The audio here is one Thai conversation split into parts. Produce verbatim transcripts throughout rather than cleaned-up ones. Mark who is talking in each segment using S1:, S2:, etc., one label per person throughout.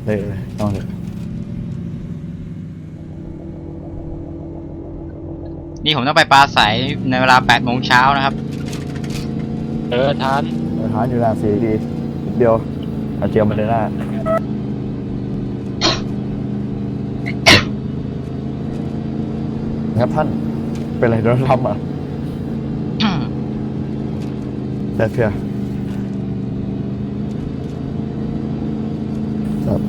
S1: เลยต้องเลย
S2: นี่ผมต้องไปปลาใสในเวลาแปดโมงเช้านะครับ
S3: เออทาน
S1: ทานอยู่หน้าสี่ดีเดียวเอาเจียวมาเลยหน้าครับท่านเป็นอะไรโดนทำอ่ะแต่เพียครับ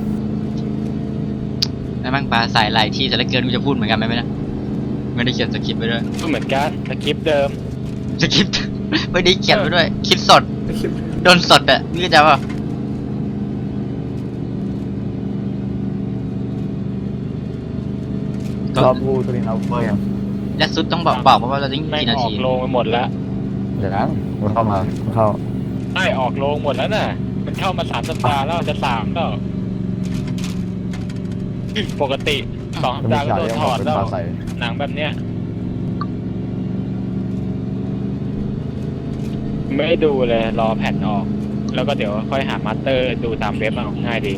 S2: แล้วมั่งปลาใสหลายที่แต่ละเกินกูจะพูดเหมือนกันไหมนะไม่ได้เขียนสคริปต์ไปด้วย
S3: ก็เหมือนกันสคริปต์เดิม
S2: สคริปต์ไม่ได้เขียนไปด้วยคิดสดโดนสดอ่ะนี่จะว่า
S1: ชอบพูดตัวนี้เอาเบอร์ยัง
S2: และซุดต้องบอกบอกว่าเราจะกี่นา
S3: ออ
S2: ที
S3: กโรงไปหมดแล้ว
S1: เดี๋ยวนะมันเข้ามามันเข้า
S3: ไม่ออกโรงหมดแล้วน่ะมันเข้ามาสามสัปดาห์แล้วจะสามแล้วปกติสองสัปดาห์ก็โดนถอดแล้วหนังแบบเนี้ยไม่ดูเลยรอแผ่นออกแล้วก็เดี๋ยวค่อยหามาสเตอร์ดูตามเว็บเอาง่ายดี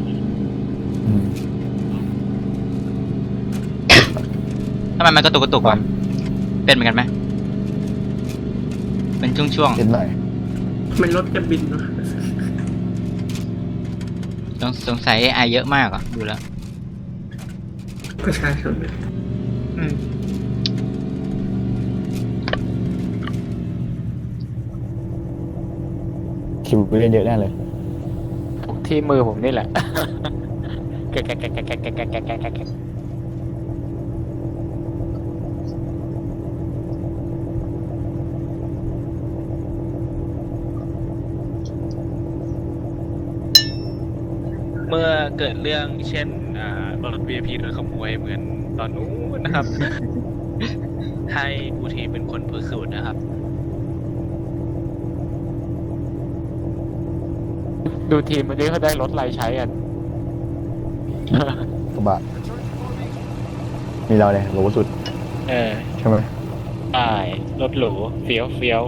S2: ทำไมมันกระตุกกระตุกวะเป็นเหมือนกันไหมเป็นช่วงๆ
S1: นิดหน่อย
S4: มันรถจะบินนะ
S2: ต้องสงสัย เอ ไอ เยอะมากอ่ะดูแล้ว
S4: ก็ใช่ครับ
S2: อืม
S1: คิวไปเรียนเยอะแน่เลย
S3: ที่มือผมนี่แหละแกะแกะแกะแกะแกะแกะแกะแกะแกะ
S5: เมื่อเกิดเรื่องเช่นรถ วี ไอ พี โดนขโมยเหมือนตอนนู้นนะครับ ให้ผู้ทีมเป็นคนพิสูจน์นะครับ
S3: ดูทีมวันนี้เขาได้รถอะไรใช้กัน
S1: กระบะมีเราเลยหรูสุด
S3: เออ
S1: ใช่ไหม
S3: ใช่รถหรูเฟี้ยวเฟี้ยว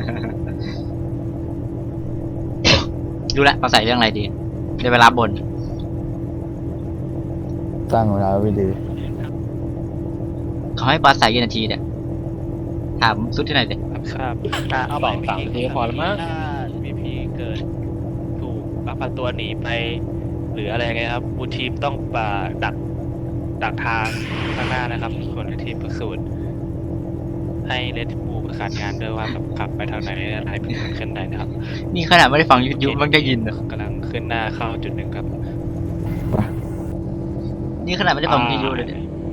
S2: ดูแลเราใส่เรื่องอะไรดีได้เวลาบน
S1: สร้างเวลาไว้ดี
S2: เขาให้ปลาใสกี่นาทีเนี่ยถามสุดที่ไหนเด็ก
S5: ครับ
S3: เอาสองสามนาทีพอแล้วมั้ง
S5: ถ้า วี พี เกิดถูกลักพาตัวหนีไปหรืออะไรไงครับบูทีมต้องปาดักดักทางข้างหน้านะครับคนในทีมพิสูจน์ให้เลดบูประสานงานด้วยว่าขับไปทางไหนอะไรเป็นขึ้นไหนนะครับ
S2: นี่ขนาดไม่ได้ฟังยูทูบมันได้ยินเหร
S5: อกำลังขึ้นหน้าเข้าจุดหนึ่งครับ
S2: นี่ขนาดไม่ได้ฟังยูทูบเลย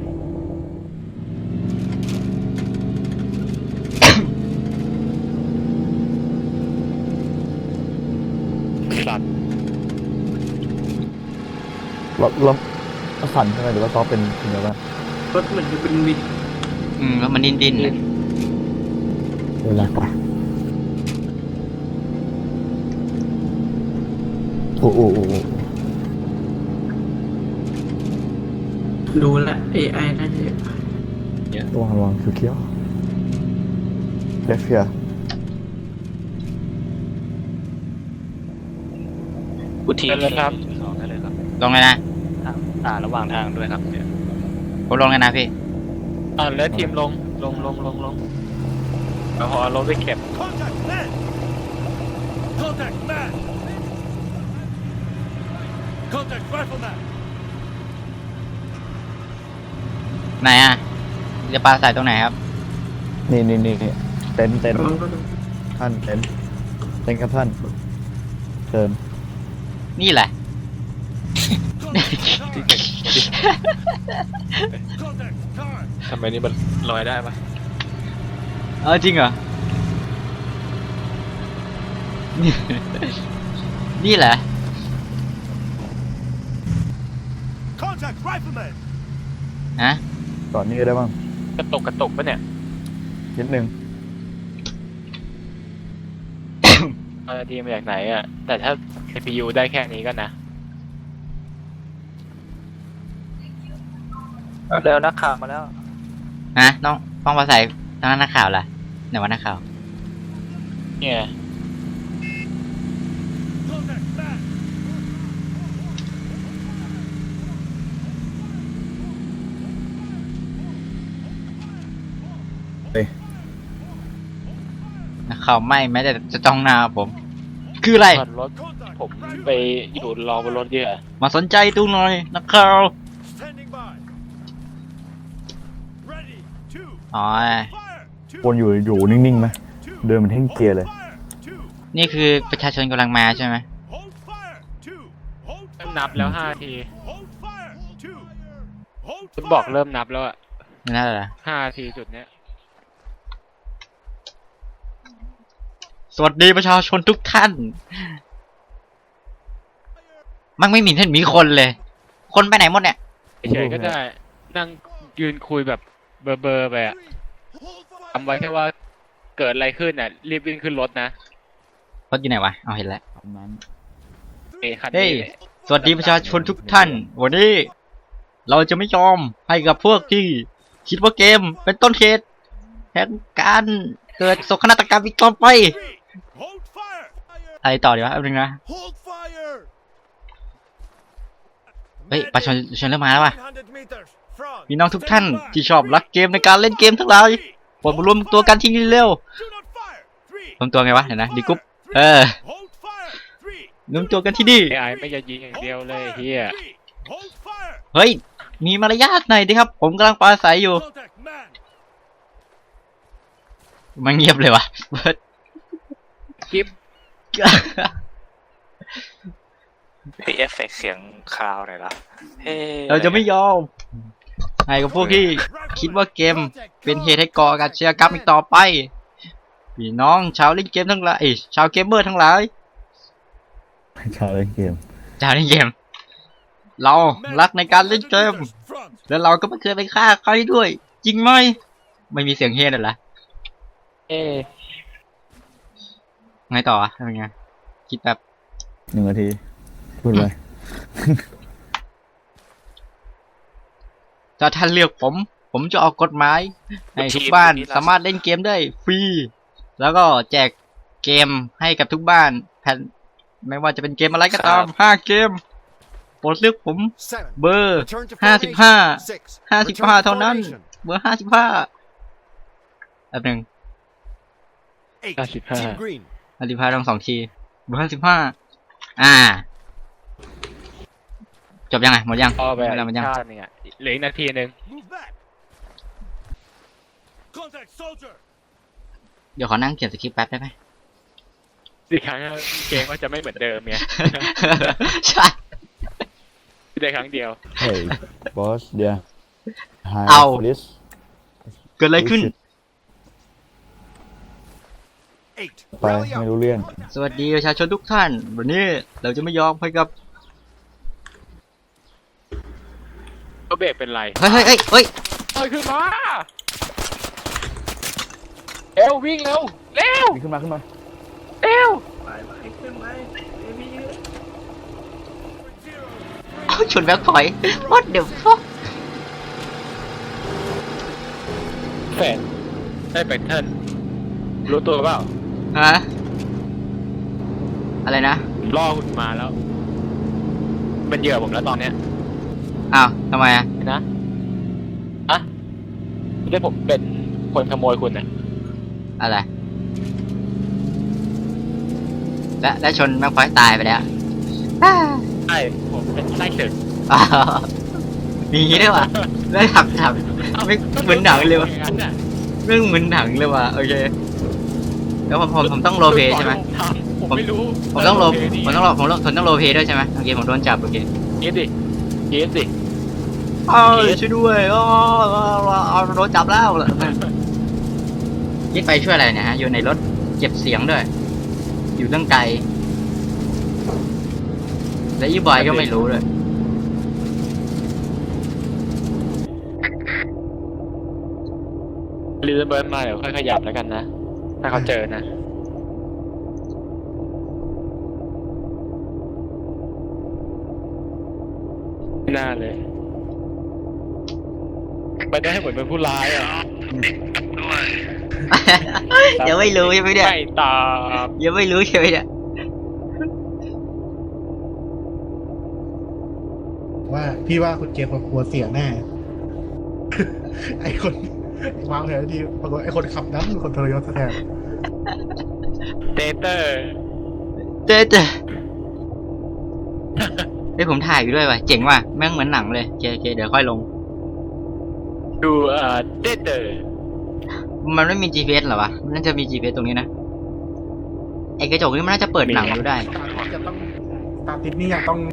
S3: สัตว์
S1: รถรถสั่นใช่ไหมหรือว่าซอฟเป็นเป็นอะไรบ้าง
S4: รถเหมือนจะเป็นวิน
S2: อืมแล้วมันดิ้นดิ้นเลย
S1: เวลากว่าโอ้โอ้โอ้
S4: ดูแล เอ ไอ น่าจะ
S1: เยอะระวังระวังคือเกี้ยวเลฟเฟีย
S5: บูทีม
S3: เลยครับ
S5: สองได้เลยครับ
S2: ลงเลยนะ
S5: อ่าระหว่างทางด้วยครับเนี่ย
S2: ผมลงเลยนะพี่
S3: อ่าแล้วทีมลงลงลงลงลงแล้วพอรถไปเก็บ
S2: ไหนอ่ะจะปลาใส่ตรงไหนครับ
S1: นี่นี่นี่เต็นเต็นท่านเต็นเต็นครับท่านเชิญ
S2: นี่แหละ
S5: ทำไมนี่มันลอยได้ปะ
S2: เออจริงเหรอนี่แหละฮะ
S1: ก่อนนี้ได้บ้าง
S3: กระตกกระตกปะเนี่ย
S1: นิดนึง
S3: เอาทีมาจากไหนอ่ะแต่ถ้า ซี พี ยู ได้แค่นี้ก็นะเร็วนักข่าวมาแล้ว
S2: ฮะน้องฟ้องภาษาทางนักข่าวล่ะไหนวะนักข่าว
S3: เนี่ย
S2: นะเขาไม่แม้แต่จะจ้องหน้าผม คืออะไร
S3: จอดรถผมไปอยู่รอบนรถเยอะ
S2: มาสนใจดูหน่อยนักข่าว
S6: Standing by. Ready. Two.
S2: อ๋อ
S6: Fire. Two.
S1: วนอยู่อยู่นิ่งๆไหม
S6: Two.
S1: เดินเหมันเท่งเกียร์เลย
S6: Fire. Two.
S2: นี่คือประชาชนกำลังมาใช่ไหม
S6: Hold fire. Two. Hold
S3: เริ่ม
S6: fire.
S3: นับแล้วห้าที
S6: Hold fire. Two. Hold
S3: คุณบอก
S6: fire.
S3: เริ่มนับแล้วอะ
S2: นั่นแหละ
S3: ห้าทีจุดเนี้ย
S2: สวัสดีประชาชนทุกท่าน มันไม่มีท่านมีคนเลย คนไปไหนหมดเนี่ย
S3: เฉยๆก็ได้ นั่งยืนคุยแบบเบอร์เบอร์ไปอะทำไว้แค่ว่าเกิดอะไรขึ้นอ่ะ รีบวิ่งขึ้นรถนะ
S2: รถอยู่ไหนวะ เอาเห็นแล้ว
S1: ตามนั้น
S3: เอยคัน
S2: เฮ้ย
S3: นี้
S2: สวัสดีประชาชนทุกท่าน วันนี้ เราจะไม่ยอมให้กับพวกที่คิดว่าเกมเป็นต้นเหตุแห่งการเกิดโศกนาฏกรรมอีกต่อไป
S6: Three. Hold fire.
S2: อะไรต่อดีวะแป๊บนึงนะ
S6: Hold fire.
S2: เฮ้ยประชาชนเริ่มมาแล้วว่ะ
S6: one hundred meters. Front.
S2: พี่น้องทุกท่านที่ชอบรักเกมในการเล่นเกมทั้งหลายโปรดมารวมตัวกันที่นี่เร็ว
S6: Do not fire. Three.
S2: รวมตัวไงวะเห็นนะดีกรุ๊ป
S6: Fire.
S2: เออ
S6: Hold fire. Three.
S2: รวมตัวกันที่นี่
S3: ไอไอไม่จะยิงอย่างเดียวเลยเฮีย
S6: Three. Hold fire.
S2: เฮ้ย มีมารยาทหน่อยดิครับ ผมกำลังปราศัยอยู่
S6: Contact man.
S2: มันเงียบเลยวะเบิร์ด
S3: คลิป
S7: มีเอฟเฟกต์เสียงคลาวหน่อยละเฮ้
S2: เราจะไม่ยอมให้กับพวกที่คิดว่าเกมเป็นเหตุให้ก่อการอาชญากรรมอีกต่อไปพี่น้องชาวเล่นเกมทั้งหลายเอ้ยชาวเกมเมอร์ทั้งหลาย
S1: ชาวเล่นเกม
S2: ชาวเล่นเกม เรารักในการเล่นเกม
S6: Front.
S2: แล้วเราก็ไม่เคยไปฆ่าใครด้วย จริงไหมไม่มีเสียงเฮดเหรอ
S3: เอ้
S2: ไงต่อวะเป็นไงคิดแบบ
S1: หนึ่งนาทีพูดไป
S2: ถ้าท่านเลือกผม ผมจะออกกฎหมายให้ทุกบ้านสามารถเล่นเกมได้ฟรี แล้วก็แจกเกมให้กับทุกบ้านแผ่นไม่ว่าจะเป็นเกมอะไรก็ตามห้าเกมโปรดเลือกผม
S6: Seven.
S2: เบอร์
S6: Return to
S2: ห้าสิบห้า
S6: formation. Six.
S2: ห้าสิบ
S6: Return
S2: ห้า
S6: to
S2: เท่านั้น
S6: formation.
S2: เบอร์ห้าสิบห้าแป๊บหนึ่ง
S6: Eight.
S3: fifty-five.
S6: Team green.
S2: ห้าสิบห้าต้องสองทีเบอร์ห้าสิบห้าอ่า จบยังไงหมดยัง
S3: พอไป
S2: หมดแล้วหมดยัง
S3: ชาติหนึงอ่ะเหลืออีกนาทีหนึ่ง
S6: Move back. Contact soldier.
S2: เดี๋ยวขอนั่งเขียนสคริปต์แป๊บได้ไหม
S3: อีกครั้งเกมก็จะไม่เหมือนเดิมเนี่ย
S2: ใช่
S3: ได้ครั้งเดียว
S1: เฮ้ยบอสเดี๋ยวไฮ
S2: เอา
S1: ลิส
S2: เกิดอะไรขึ้น
S6: Eight.
S1: ไป
S6: Rally
S1: ไม่
S6: up.
S1: รู้เรื่อง
S2: สวัสดีประชาชนทุกท่าน วันนี้เราจะไม่ยอมให้กับ
S3: ก็เบรกเป็นไร
S2: เฮ้ยเฮ้ยเฮ้ยเฮ้ย
S3: เฮ้ยขึ้นมาเร็ววิ่งเร็วเร็ว
S1: มีขึ้นมาขึ้นมา
S3: เร็ว
S2: เอาชนแบ็คพอยต์ what the fuck
S3: แฟนได้เป็นเทิร์นรู้ตัวเปล่า
S2: ฮะ อะไรนะ
S3: ล่อคุณมาแล้วเป็นเหยื่อผมแล้วตอนเนี้ย
S2: อ้าวทำไมอ่ะ
S3: นะอะไม่ได้ผมเป็นคนขโมยคุณน่ะ
S2: อะไร และและชนแบ็คพอยต์ตายไปแล้ว
S3: ใช่ผมเป็นไส้ศึก
S2: อ้าวมีอย่างงี้ด้วยวะไม่ทำทำไม่เหมือนหนังเลยวะ
S3: อย่างนั้นน่ะ
S2: เรื่องเหมือนหนังเลยว่ะโอเคแล้วผมผมผมต้องโรลเพลย์ใช่ไหม
S3: ผมไม่รู้
S2: ผมต้องโรล
S3: เพลย์นี่
S2: ผมต้องโรลผมต้องผมต้องโรลเพลย์ด้วยใช่ไหมโอเคผมโดนจับโอเค
S3: คิดดิคิดดิ
S2: อ้าวช่วยด้วยอ้าวโดนจับแล้วยึดไปช่วยอะไรเนี่ยฮะอยู่ในรถเก็บเสียงด้วย อยู่ตั้งไกลและยี่บอยก็ไม่รู้เลย
S3: รีเซนเบิร์นมาเดี๋ยวค่อยขยับแล้วกันนะ ถ้าเขาเจอนะไม่น่าเลยไปได้เหมือนเป็นผู้ร้ายอ่ะ
S2: ยังไม่รู้ใช่ไหมเนี่ย
S3: ไม่ตาม
S2: ยังไม่รู้ใช่ไหมเนี่ย
S8: ว่าพี่ว่าคุณเจมส์กลัวเสียแน่ ไอคนวางแผนดีปรากฏไอ้คนขับนั้นเป็นคนทรยศแทน
S3: เตเตอร์
S2: เจ๊เจ๊เฮ้ยผมถ่ายอยู่ด้วยว่ะเจ๋งว่ะแม่งเหมือนหนังเลยโอเคโอเคเดี๋ยวค่อยลง
S3: ดูเอ่อเตเตอร์
S2: มันไม่มี จี พี เอส เหรอวะมันน่าจะมี จี พี เอส ตรงนี้นะไอ้กระจกนี่มันน่าจะเปิดหนังดูได้
S8: จะต้องตาติดนี่ยังต้อง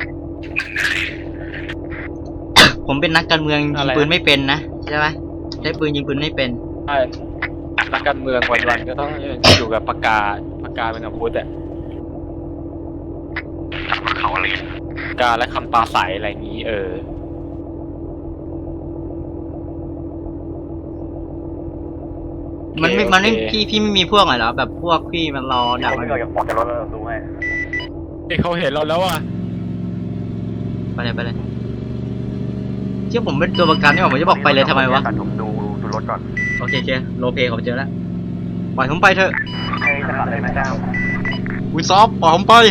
S2: ผมเป็นนักการเมืองยิงปืนไม่เป็นนะใช่ไหมใช้ปืนยิงปืนไม่เป็น
S3: ใช่นักการเมืองวันๆก็ต้องอยู่กับปากกาปากกาเป็นอาวุธอะเขาอะไรปากกาและคำปราศัยอะไรอย่างนี้ เออ
S2: มันไม่
S3: โอเค
S2: มันไม่
S3: โอเค
S2: พี่พี่ไม่มีพวกอะไรเหรอแบบพวกพี่มันรอดักมันอยู่
S3: เอ้ยเขาเห็นเราแล้วอ่ะ
S2: ไปเลยไปเลยเชื่อผมเป็นตัวประกันนี่หว่าผมจะบอกไปเลยทำไมวะ
S9: ผมดูดูรถก่อน
S2: โอเคโอเคโลเพผมเจอแล้วปล่อยผมไปเถอะ
S9: ให้จะขับได้ไหมเจ้า
S2: คุณซอฟปล่อยผมไป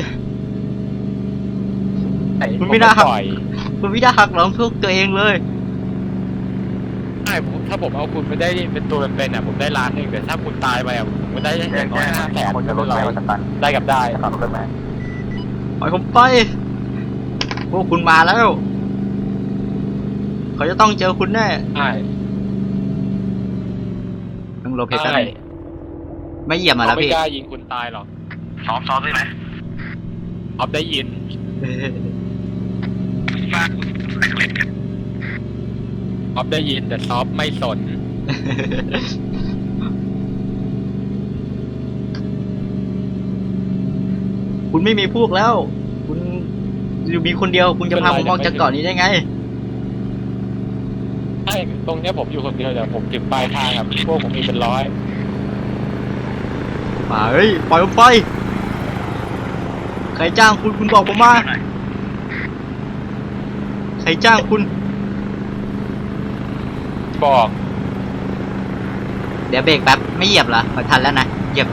S2: คุณไม่น่าหัก
S3: ปล่อย
S2: คุณไม่ได้หักหลังพวกตัวเองเลย
S3: ใช่ผมถ้าผมเอาคุณไม่ได้เป็นตัวเป็นๆอ่ะผมได้ล้านหนึ่งแต่ถ้าคุณตายไปอ่ะผมก็ได้อย่างน้อยห้าแสน
S9: คนจะรถ
S3: ไม่
S9: ไป
S3: เป็น
S9: ส
S3: ไร
S9: ตัน
S3: ได้กับได้
S9: ขับรถไหม
S2: ปล่อยผมไป พวกคุณมาแล้ว เขาจะต้องเจอคุณแน่
S3: ใช่
S2: ต้องโลเพส
S3: ใช่
S2: ไม่เหยียบมาแล้ว
S3: เขาไม่
S2: พี่
S3: กล้ายิงคุณตายหรอก
S9: ซ้อมซ้อมได้ไหม
S3: ออฟได้ยินออฟได้ยินแต่ซอฟไม่สน
S2: คุณไม่มีพวกแล้ว คุณอยู่มีคนเดียว คุณจะพาผมออกจากเกาะนี้ได้ไง
S3: ใช่ตรงเนี้ยผมอยู่คนเดียวแต่ผมถึงปลายทางอ่ะพวกผมมีเป็นร้อย
S2: มาเฮ้ยปล่อยผมไป ใครจ้างคุณคุณบอกผมมา ใครจ้างคุณ
S3: บอก
S2: เดี๋ยวเบรกแป๊บไม่เหยียบเหรอไม่ทันแล้วนะเหยียบดิ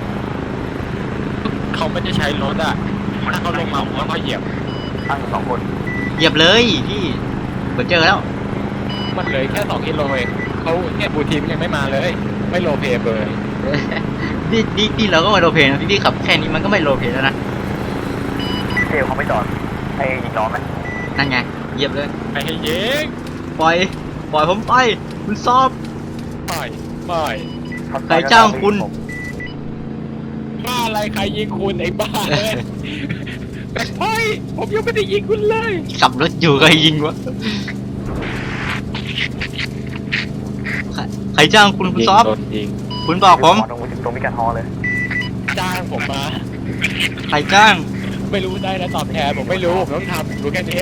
S3: เขาไม่ได้ใช้รถอ่ะถ้าเขาลงมาผมก็ค่อยเหยียบ
S9: ตั้งสองคน
S2: เหยียบเลยพี่ผมเจอแล้ว
S3: มันเหลยแค่สองกิโลเองเขาเนี่ยบูทีมยังไม่มาเลย ไม่โลเพย์เลย
S2: นี่นี่นี่เราก็มาโรลเพลย์นะพี่พี่ขับแค่นี้มันก็ไม่โรลเพลย์แล้วนะ
S9: เทลเขาไม่จอดให้ยิงล้อไหม
S2: นั่นไงเหยียบเลย
S3: ไอ้เย้ง
S2: ปล่อย ปล่อยผมไป คุณซอบ
S3: ไม่ไม่
S2: ใครจ้างคุณ
S3: บ้าอะไรใครยิงคุณไอ้บ้าเลยแต่เฮ้ยผมยังไม่ได้ยิงคุณเลย
S2: ขับรถอยู่ใครยิงวะใครใครจ้างคุณคุณซอบ
S3: โดนยิง
S2: คุณบอกผม
S9: ตรงตรงมิกาทอเลย
S3: จ้างผมมา
S2: ใครจ้าง
S3: ไม่รู้ได้นะตอบแทนผมไม่รู้ผมต้องทำรู้แค่นี้เอง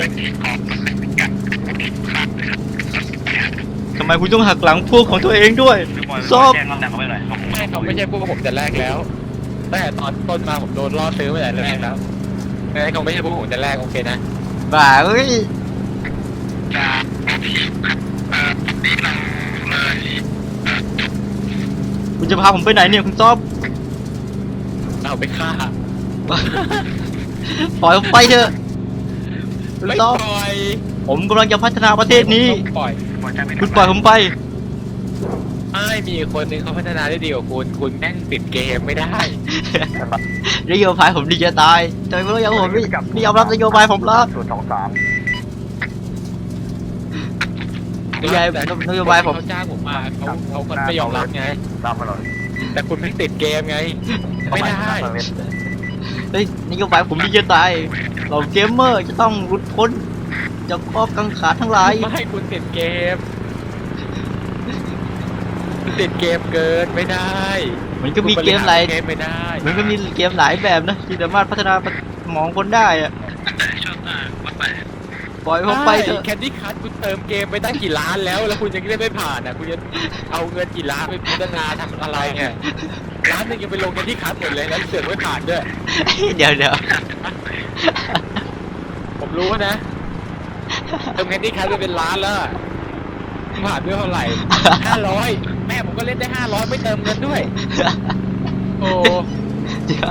S2: ทำไมคุณต้องหักหลังพวกของตัวเองด้วยซอบ
S3: ไม่เขาไม่ใช่พวกผมแต่แรกแล้วตั้งแต่ตอนต้นมาผมโดนล่อซื้อมาแต่แรกแล้วไม่เขาไม่ใช่พวกผมแต่แรกโอเคนะ
S2: บ้าเอ้ยคุณจะพาผมไปไหนเนี่ยคุณซอบ
S3: เอาไปฆ่า
S2: ปล่อยผมไปเถอะคุณ
S3: ไม่
S2: ซอบ
S3: ปล่อย
S2: ผมกำลังจะพัฒนาประเทศนี้
S3: ปล่อย
S2: คุณปล่อยผมไป
S3: ไม่มีคนหนึงเขาพัฒนาได้ดีกว่าคุณคุณแม่งติดเกมไม่ได้
S2: นโยบายผมดีจะตายทำไมไม่ยอมผมไม่ไม่ยอมรับนโยบายผมละ
S9: ศูนย์สองสาม
S2: นโยบายนโยบายผม
S3: เขาจ้างผมมาเขาเขาคนไม่ยอมรับไง
S9: ตามมาหน่อย
S3: แต่คุณไม่ติดเกมไง ไม่ได้
S2: เฮ้ยนโยบายผมดีจะตายเราเกมเมอร์จะต้องหลุดพ้นจากข้อกังขาทั้งหลาย
S3: ไม่ให้คุณติดเกมคุณติดเกมเกินไม่ได้
S2: มันก็มีเกมหลาย
S3: เกมไม่ได้
S2: มันก็มีเกมหลายแบบนะที่สามารถพัฒนาสมองคนได้อะปล่อยผมไปเถอะ
S3: แคนดี้คัทคุณเติมเกมไปตั้งกี่ล้านแล้ว แล้วคุณยังได้ไม่ผ่านอ่ะคุณจะเอาเงินกี่ล้านไปพัฒนาทำอะไรเนี่ยล้านหนึงยังไปลงแคนดี้คัทหมดเลยแล้วเสือกไม่ผ่านด้วย
S2: เดี๋ยวเดี๋ยว
S3: ผมรู้นะเติมแคนดี้คัทไปเป็นล้านแล้วอะผ่านด้วยเท่าไหร่ห้าร้อยแม่ผมก็เล่นได้ห้าร้อยไม่เติมเงินด้วย โอ้
S2: เดี๋ยว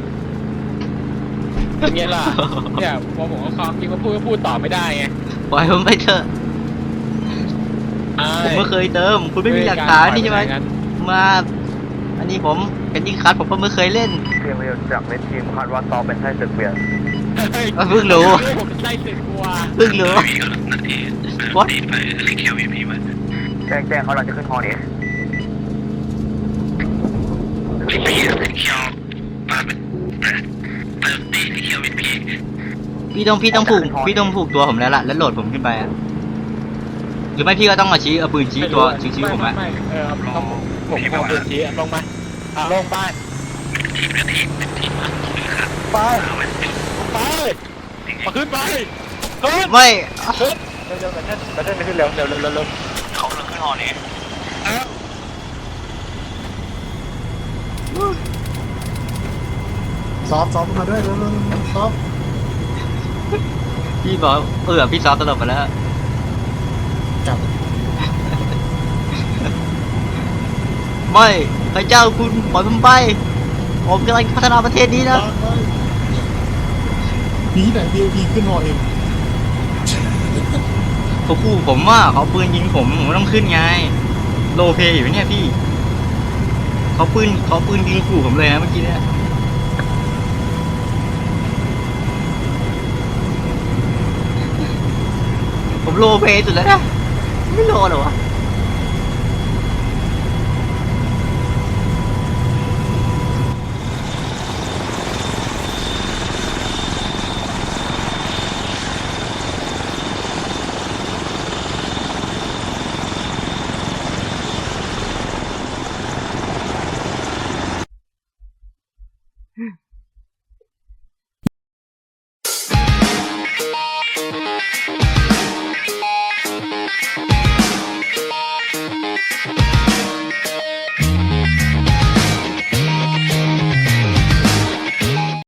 S3: เป็นไงล่ะเนี่ยพอผมเอาความจริงมาพูดก็พูดต่อไม่ได้ไง
S2: ปล่อยผมไปเถอะผมไม่เคยเติม คุณไม่มีหลักฐานนี่ใช่ไหมมา อันนี้ผมเป็นดิ้งคัทผมก็ไม่เคยเล่น
S9: เพียงเดียวจากเวททีมคาดว่าต่อเป็นไส้ศึกเปลี่ยน
S2: เพิ่งรู้
S3: ผมเป็นไส้ศึกกลัว
S2: เพิ่งรู้ What
S9: แจ้งแจ้งเขาเราจะขึ้นฮอนี้
S2: พี่ต้องพี่ต้องผูกพี่ต้องผูกตัวผมแล้วล่ะแล้วโหลดผมขึ้นไปอะหรือไม่พี่ก็ต้องมาชี้เอาปืนชี้ตัวชี้ชี้ผมอะ
S3: ไไเออต้องผมเอาปืนชี้ลงมาอ่ะลงบ้านไปไปมาขึ้นไปขึ้น
S2: ไม่
S3: ขึ้นเร็วเร็วแต่ท่านแต่ท่านขึ้นเร็วเร็วเร็วเร็วเร็ว
S7: เขาเราขึ้นหอนี้
S8: ซอฟต์ซอฟต์มาด้วยเร็วเร็วเร็วซอฟต์
S2: พี่บอกเออพี่ซอฟตลบไปแล้ว
S8: จับ
S2: ไม่พระเจ้าคุณปล่อยผมไปผมกำลังพัฒนาประเทศนี้นะ
S8: พีไหนพีพีขึ้นฮอเอง
S2: เขาขู่ผมว่าเขาปืนยิงผมผมต้องขึ้นไงโลเพย์อยู่เนี่ยพี่เขาปืนเขาปืนยิงขู่ผมเลยนะเมื่อกี้เนี่ยผมโลเพย์สุดแล้วนะไม่โลหรอวะ